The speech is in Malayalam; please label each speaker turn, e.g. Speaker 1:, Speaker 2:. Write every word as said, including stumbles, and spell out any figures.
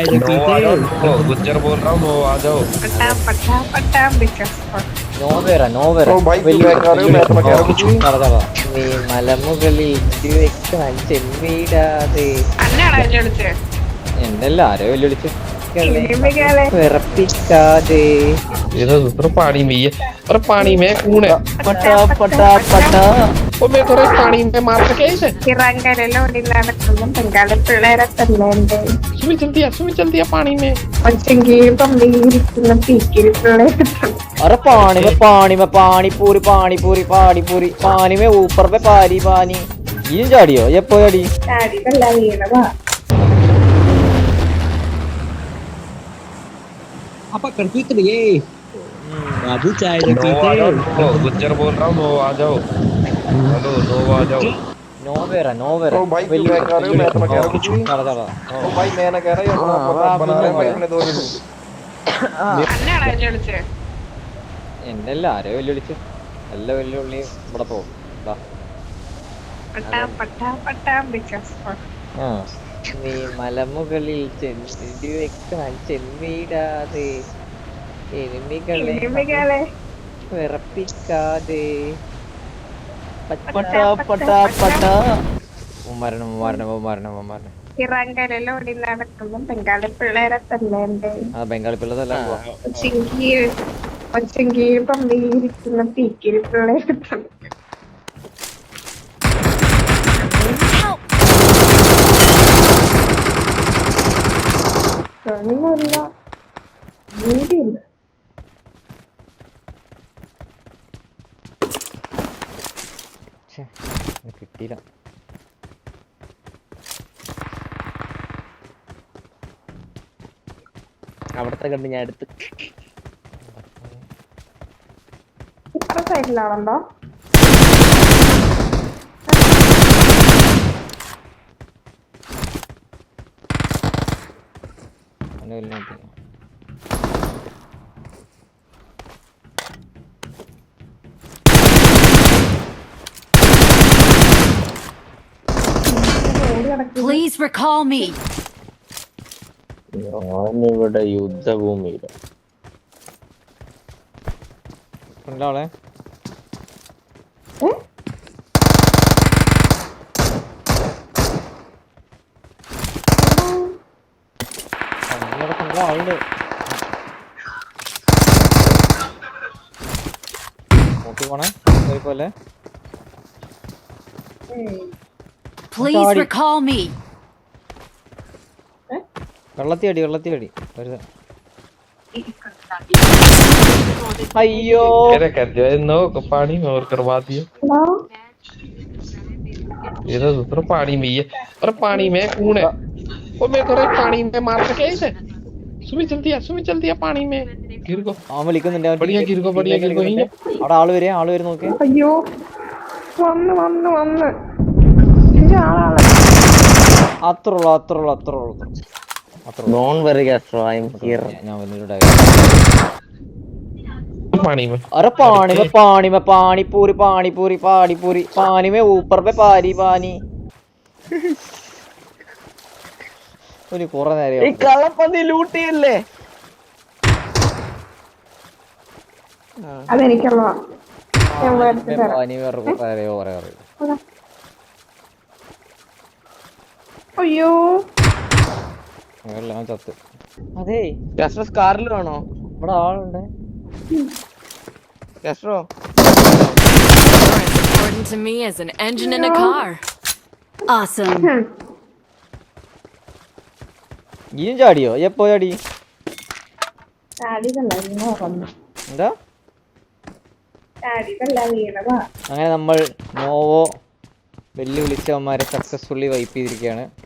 Speaker 1: चाय तो पीते
Speaker 2: गुज्जर बोल रहा हूँ वो आ जाओ
Speaker 3: पटा पटा पटा बिकस
Speaker 4: നോവേറ നോവേറ
Speaker 5: ओ भाई क्यों बैक आ रहे हो? मैं तो कह रहा हूँ कि
Speaker 4: നീ മലമുകളിൽ വെക്കാൻ ചെമ്മീടാതെ
Speaker 3: അന്നാണ് അതിന്റെ അടുത്ത്
Speaker 4: എന്നല്ല ആരോ വെല്ലുവിളിച്ച്
Speaker 3: ഇനിമികളെ
Speaker 4: വിറപ്പിക്കാതെ
Speaker 2: ये तो दूसरा पानी में ही है और पानी में कौन है
Speaker 4: പട്ടാ പട്ടാ പട്ടാ
Speaker 2: वो मैं थोड़ा पानी में मार सके इसे
Speaker 3: ഇറങ്ങലോടി നടക്കുമ്പോൾ ബംഗാളി പിള്ളേരെ തല്ലേണ്ടേ
Speaker 2: सुमी जल्दी आ सुमी जल्दी आ पानी में
Speaker 3: ഒച്ചെങ്കിൽ പമ്പിയിരിക്കുന്ന പീക്കിരി പിള്ളേരെ
Speaker 4: अरे पानी में पानी में पानी पूरी पानी पूरी पानी पूरी पानी में ऊपर पे पानी पानी ये ചാടിയോ എപ്പോ ചാടി
Speaker 3: ചാടിയതല്ല വീണതാ
Speaker 1: apa konflik ये बाबू चाय तो
Speaker 2: नो आ जाओ
Speaker 1: पीते
Speaker 2: नो गुज्जर बोल रहा हूँ नो आ जाओ हेलो नो आ जाओ
Speaker 4: നോവേറ നോവേറ
Speaker 5: ओ भाई क्यों बैक आ रहे हो? मैं तो कह रहा हूँ कि
Speaker 4: ചാടാ ചാടാ
Speaker 5: ओ भाई मैं ना कह रहा ये अपना अपना बना रहे हैं भाई अपने दो मिनट
Speaker 3: അന്നാണ് അതിന്റെ അടുത്ത്
Speaker 4: എന്നല്ല ആരോ വെല്ലുവിളിച്ച് എല്ലാ വെല്ലുവിളി ഇവിടെ പോകും
Speaker 3: പട്ടാ പട്ടാ പട്ടാ ബിക്കസ്
Speaker 4: ആ നീ മലമുകളിൽ ചെന്നി വെക്കാൻ ചെമ്മീടാതെ എരുമികളെ
Speaker 3: ഇനിമികളെ
Speaker 4: വിറപ്പിക്കാതെ പട്ടാ പട്ടാ പട്ടാ മരണം മരണം മരണം മരണം
Speaker 3: ഇറങ്ങലോടി നടക്കുമ്പോൾ ബംഗാളി പിള്ളേരെ തല്ലേണ്ടേ
Speaker 4: ആ ബംഗാളി പിള്ളതല്ല
Speaker 3: ഒച്ചെങ്കിൽ ഒച്ചെങ്കിൽ പമ്പിയിരിക്കുന്ന പീക്കിരി പിള്ളേരെ തല്ലേണ്ടേ കളിയല്ല വീടില്ല
Speaker 4: കിട്ടിയില്ല അവിടത്തെ കണ്ട് ഞാൻ എടുത്ത്
Speaker 3: ഇത്ര സൈഡിലാണല്ലോ
Speaker 6: Please recall me.
Speaker 4: ഞാനിവിടെ യുദ്ധഭൂമിയില ആളെ ആളുണ്ട് നോക്കി പോണേ പോലെ
Speaker 6: Please recall me.
Speaker 4: വെള്ളത്തി അടി വെള്ളത്തി അടി അയ്യോ
Speaker 2: क्या कर दिया नो पानी में और करवा दिया ये तो दूसरा पानी में ही है और पानी में कौन है वो मैं थोड़ा पानी में मार सके इसे सुमी जल्दी आ सुमी जल्दी आ पानी में गिर को
Speaker 4: അവൻ വിളിക്കുന്നുണ്ട്
Speaker 2: बढ़िया गिर को बढ़िया गिर को ही
Speaker 4: അവിടെ ആള് വരെ ആള് വരെ നോക്കി
Speaker 3: അയ്യോ വന്ന് വന്ന് വന്ന് ഇത് ആളാണ്
Speaker 4: അത്ര ഉള്ളു അത്ര ഉള്ളു അത്ര ഉള്ളു
Speaker 7: Don't worry, Castro. I'm here.
Speaker 4: ഞാൻ വന്നിട്ട്
Speaker 2: पानी में
Speaker 4: अरे पानी में पानी में पानी पूरी पानी पूरी पानी पूरी पानी में ऊपर पे पानी पानी ഒരു കുറെ നേരം
Speaker 7: ഈ കള്ളപ്പന്നി ലൂട്ട് ചെയ്യല്ലേ?
Speaker 3: അതെനിക്കുള്ളതാ ഞാൻ മേടിച്ചു തരാം
Speaker 4: പാനി വേറെ കുറെ നേരം കുറെ പറയും
Speaker 3: അയ്യോ
Speaker 4: എല്ലാം ചത്ത് അതെ
Speaker 7: കാസ്ട്രോ കാറിൽ വേണോ?
Speaker 4: ഇവിടെ ആളുണ്ട്
Speaker 7: Castro
Speaker 6: Important to me as an engine in a car. Awesome.
Speaker 4: ഇനിയും ചാടിയോ എപ്പോ ചാടി
Speaker 3: ചാടിയതല്ല വീണ വന്നു
Speaker 4: എന്താ
Speaker 3: ചാടിയതല്ല വീണതാ
Speaker 4: അങ്ങനെ നമ്മൾ നോവോ വെല്ലുവിളിച്ചവന്മാരെ സക്സസ്ഫുള്ളി വൈപ്പ് ചെയ്തിരിക്കുകയാണ്.